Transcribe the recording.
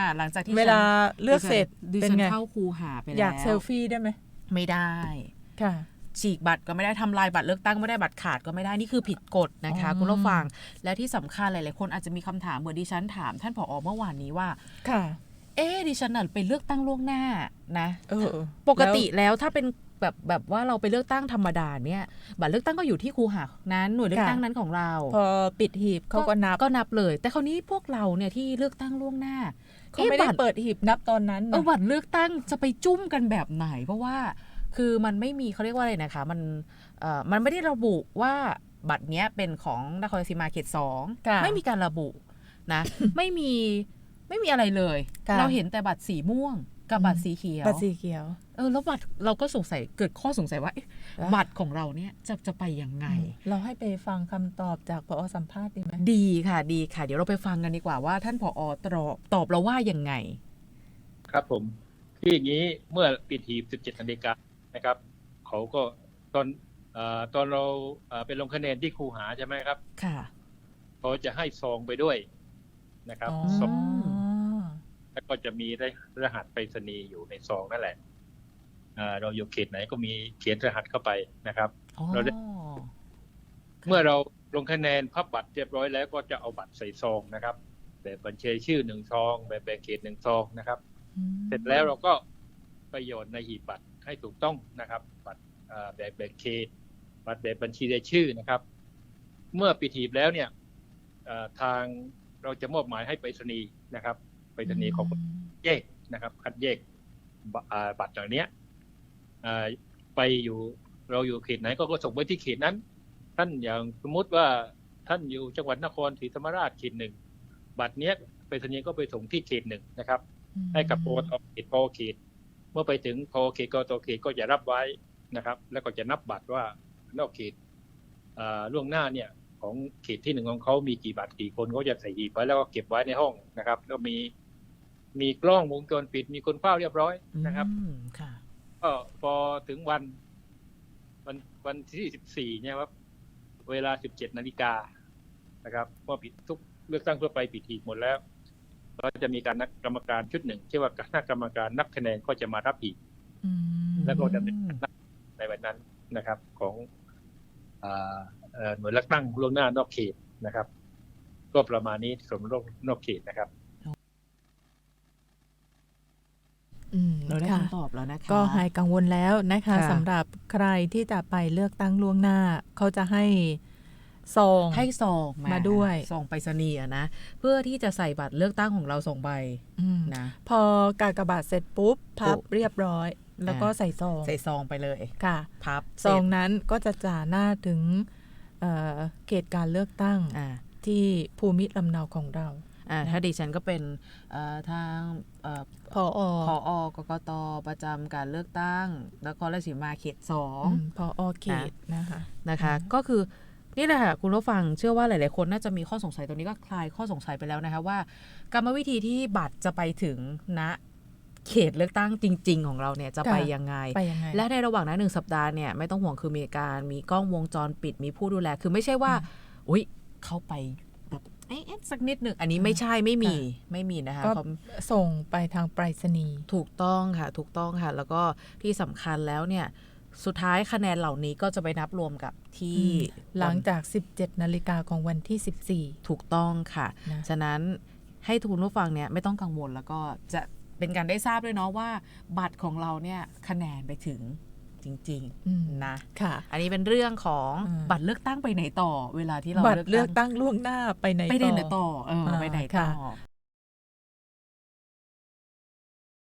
หลังจากที่เวลาเลือกเสร็จเป็นไงเข้าคูหาไปแล้วอยากเซลฟี่ได้ไหมไม่ได้ค่ะฉีกบัตรก็ไม่ได้ทำลายบัตรเลือกตั้งไม่ได้บัตรขาดก็ไม่ได้นี่คือผิดกฎนะคะคุณผู้ฟังและที่สำคัญหลายๆคนอาจจะมีคำถามเหมือนดิฉันถามท่านผอ.เมื่อวานนี้ว่าค่ะดิฉันน่ะไปเลือกตั้งล่วงหน้านะปกติแล้วถ้าเป็นแบบว่าเราไปเลือกตั้งธรรมดาเนี่ยบัตรเลือกตั้งก็อยู่ที่คูหานั้นหน่วยเลือกตั้งนั้นของเราพอปิดหีบเขาก็นับเลยแต่คราวนี้พวกเราเนี่ยที่เลือกตั้งล่วงหน้าเขาไม่ได้เปิดหีบนับตอนนั้นบัตรเลือกตั้งจะไปจุ้มกันแบบไหนเพราะว่าคือมันไม่มีเขาเรียกว่าอะไรนะคะมันไม่ได้ระบุว่าบัตรเนี้ยเป็นของนครราชสีมาเขต2ไม่มีการระบุนะ ไม่มีอะไรเลยเราเห็นแต่บัตรสีม่วงกับบัตรสีเขียวแล้วบัตรเราก็สงสัยเกิดข้อสงสัยว่าบัตรของเราเนี่ยจะไปยังไงเราให้ไปฟังคำตอบจากผอ.สัมภาษณ์ดีไหมดีค่ะเดี๋ยวเราไปฟังกันดีกว่าว่าท่านผอ.ตอบเราว่ายังไงครับผมคืออย่างนี้เมื่อปิดหีบ 17 นาฬิกานะครับเขาก็ตอนเราไปลงคะแนนที่คูหาใช่ไหมครับค่ะเขาจะให้ซองไปด้วยนะครับซองแล้วก็จะมีรหัสไปรษณีย์อยู่ในซองนั่นแหละเราอยู่เขตไหนก็มีเขียนรหัสเข้าไปนะครับเราได้เมื่อเราลงคะแนนพับบัตรเรียบร้อยแล้วก็จะเอาบัตรใส่ซองนะครับแบบบัญชีชื่อ1ซองแบบแบ่งเขต1ซองนะครับเสร็จแล้วเราก็ไปโยนในหีบบัตรให้ถูกต้องนะครับบัตรแบบแบ่งเขตบัตรแบบบัญชีรายชื่อนะครับเมื่อปิดหีบแล้วเนี่ยทางเราจะมอบหมายให้ไปรษณีย์นะครับไปรษณีย์ของแยกนะครับคัดแยกบัตรเหล่านี้ไปอยู่เราอยู่เขตไหนก็ส่งไปที่เขตนั้นท่านอย่างสมมติว่าท่านอยู่จังหวัดนครศรีธรรมราชเขต1บัตรเนี้ยไปรษณีย์ก็ไปส่งที่เขต1นะครับให้กับพอเขตเมื่อไปถึงพอเขตกตเขตก็จะรับไว้นะครับแล้วก็จะนับบัตรว่านอกเขตล่วงหน้าเนี่ยของเขตที่1ของเขามีกี่บัตรกี่คนเขาจะใส่หีบไว้แล้วก็เก็บไว้ในห้องนะครับแล้วมีกล้องวงจรปิดมีคนเฝ้าเรียบร้อยนะครับก็พอถึงวันที่14เนี่ยครับเวลา 17 นาฬิกานะครับเมื่อปิดทุกเลือกตั้งทั่วไปปิดหีบหมดแล้วก็จะมีการนักกรรมการชุดหนึ่งชื่อว่าคณะกรรมการนับคะแนนก็จะมารับหีบแล้วก็ดำเนินการในวันนั้นนะครับของหน่วยเลือกตั้งล่วงหน้านอกเขตนะครับก็ประมาณนี้สมรสนอกเขตนะครับเราได้คำตอบแล้วนะคะก็หายกังวลแล้วนะคะสำหรับใครที่จะไปเลือกตั้งล่วงหน้าเขาจะให้ซองมาด้วยซองไปรษณีย์นะเพื่อที่จะใส่บัตรเลือกตั้งของเรา2ใบนะพอกากบาทเสร็จปุ๊บพับเรียบร้อยแล้วก็ใส่ซองไปเลยค่ะพับซองนั้นก็จะจ่าหน้าถึงเขตการเลือกตั้งที่ภูมิลำเนาของเราถ้าดิฉันก็เป็นทางผอ. กกต.ประจำการเลือกตั้งนครราชสีมาเขต2 ผอ.เขตนะคะก็คือนี่แหละค่ะคุณผู้ฟังเชื่อว่าหลายๆคนน่าจะมีข้อสงสัยตรงนี้ก็คลายข้อสงสัยไปแล้วนะคะว่ากรรมวิธีที่บัตรจะไปถึงณเขตเลือกตั้งจริงๆของเราเนี่ยจะไปยังไงและในระหว่างนั้น1สัปดาห์เนี่ยไม่ต้องห่วงคือมีกล้องวงจรปิดมีผู้ดูแลคือไม่ใช่ว่าอุ๊ยเข้าไปแบบสักนิดหนึ่งอันนี้ไม่มีนะคะก็ส่งไปทางไปรษณีย์ถูกต้องค่ะแล้วก็ที่สำคัญแล้วเนี่ยสุดท้ายคะแนนเหล่านี้ก็จะไปนับรวมกับที่หลังจาก 17 นาฬิกาของวันที่ 14ถูกต้องค่ะฉะนั้นให้ทุกผู้ฟังเนี่ยไม่ต้องกังวลแล้วก็จะเป็นการได้ทราบด้วยเนาะว่าบัตรของเราเนี่ยคะแนนไปถึงจริงๆนะค่ะอันนี้เป็นเรื่องของบัตรเลือกตั้งไปไหนต่อเวลาที่เราบัตรเลือกตั้งล่วงหน้าไปไหนต่อไปไหนต่อ